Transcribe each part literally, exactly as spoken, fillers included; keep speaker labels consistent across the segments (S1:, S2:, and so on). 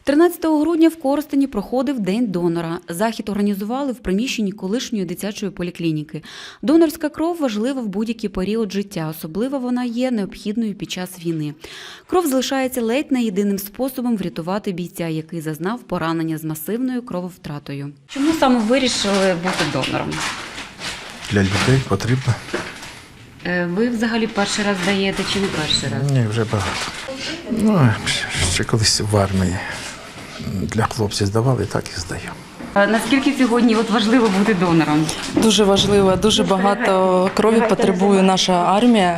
S1: тринадцятого грудня в Коростені проходив День донора. Захід організували в приміщенні колишньої дитячої поліклініки. Донорська кров важлива в будь-який період життя, особливо вона є необхідною під час війни. Кров залишається ледь не єдиним способом врятувати бійця, який зазнав поранення з масивною крововтратою. Чому саме вирішили бути донором?
S2: Для людей потрібно.
S1: Ви взагалі перший раз даєте чи не перший раз?
S2: Ні, вже багато. Ну, ще колись в армії для хлопців здавали, так і здаю.
S1: А наскільки сьогодні от важливо бути донором?
S3: Дуже важливо, дуже багато крові потребує наша армія.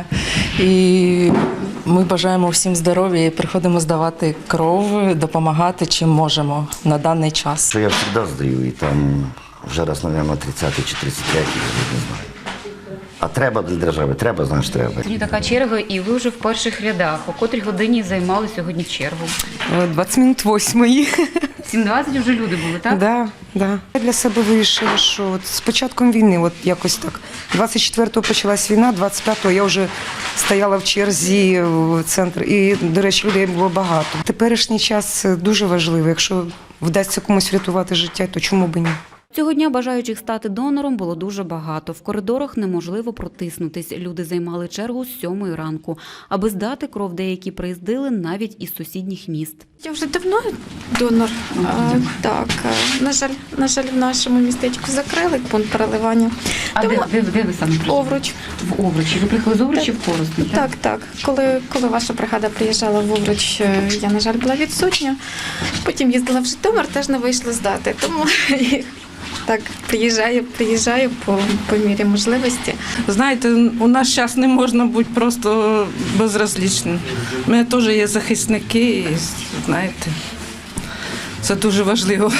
S3: І ми бажаємо всім здоров'я і приходимо здавати кров, допомагати чим можемо на даний час.
S4: Я завжди здаю, і там вже раз, мабуть, тридцятий чи тридцять третій, я не знаю. А треба для держави, треба, знаєш, треба.
S1: Сьогодні така черга, і ви вже в перших рядах. О котрій годині займали сьогодні чергу?
S5: двадцять минут восьмої.
S1: сім двадцять вже люди були, так?
S5: Да, да. Я для себе вирішила, що от з початком війни, от якось так, двадцять четвертого почалась війна, двадцять п'ятого я вже стояла в черзі в центр, і, до речі, людей було багато. Теперішній час дуже важливий, якщо вдасться комусь врятувати життя, то чому б і ні?
S1: Цього дня бажаючих стати донором було дуже багато. В коридорах неможливо протиснутись. Люди займали чергу з сьомої ранку. Аби здати кров, деякі приїздили навіть із сусідніх міст.
S6: Я вже давно донор. А, так, на жаль, на жаль, в нашому містечку закрили пункт переливання.
S1: А
S6: Тому...
S1: де, де, де ви саме прийшли?
S6: Овруч.
S1: В Овручі. Ви приїхали з Овручі в Коростень?
S6: Так, так. Коли, коли ваша бригада приїжджала в Овруч, я, на жаль, була відсутня. Потім їздила в Житомир, теж не вийшло здати. Тому так, приїжджаю, приїжджаю по, по мірі можливості.
S3: Знаєте, у нас зараз не можна бути просто безразлічним. У мене теж є захисники, і, знаєте, це дуже важливо.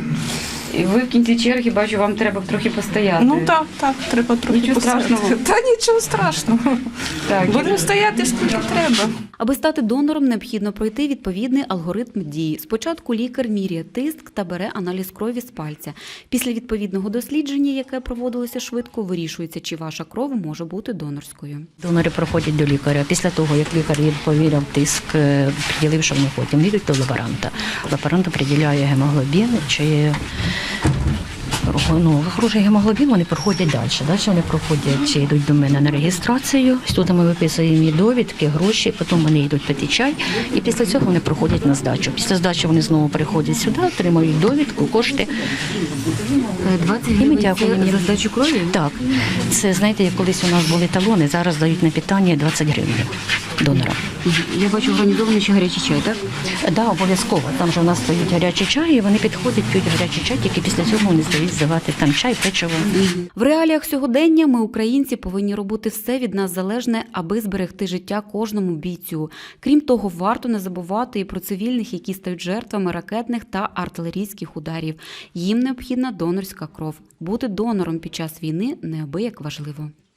S1: І ви в кінці черги, бачу, вам треба трохи постояти.
S3: Ну так, так, треба трохи
S1: Нічого
S3: постояти.
S1: страшного?
S3: Та нічого страшного.
S1: Так.
S3: Будемо стояти, скільки треба.
S1: Аби стати донором, необхідно пройти відповідний алгоритм дії. Спочатку лікар міряє тиск та бере аналіз крові з пальця. Після відповідного дослідження, яке проводилося швидко, вирішується, чи ваша кров може бути донорською.
S7: Донори проходять до лікаря. Після того, як лікар їм повірив тиск, приділив, що вони потім їдуть до лаборанта. Лаборант приділяє гемоглобін, чи ну, хороший гемоглобін, вони проходять далі. Далі вони проходять, йдуть до мене на реєстрацію. Тут ми виписуємо їм довідки, гроші, потім вони йдуть пити чай, і після цього вони проходять на здачу. Після здачі вони знову приходять сюди, отримують довідку, кошти.
S1: двадцять гривень за здачу крові?
S7: Так. Це, знаєте, як колись у нас були талони, зараз дають на питання двадцять гривень донора.
S1: Я бачу, організований ще гарячий чай, так?
S7: Так, да, обов'язково. Там же у нас стоїть гарячий чай, і вони підходять, п'ють гарячий чай, тільки після цього вони здають здавати там чай, печиво.
S1: В реаліях сьогодення ми, українці, повинні робити все від нас залежне, аби зберегти життя кожному бійцю. Крім того, варто не забувати і про цивільних, які стають жертвами ракетних та артилерійських ударів. Їм необхідна донорська кров. Бути донором під час війни неабияк важливо.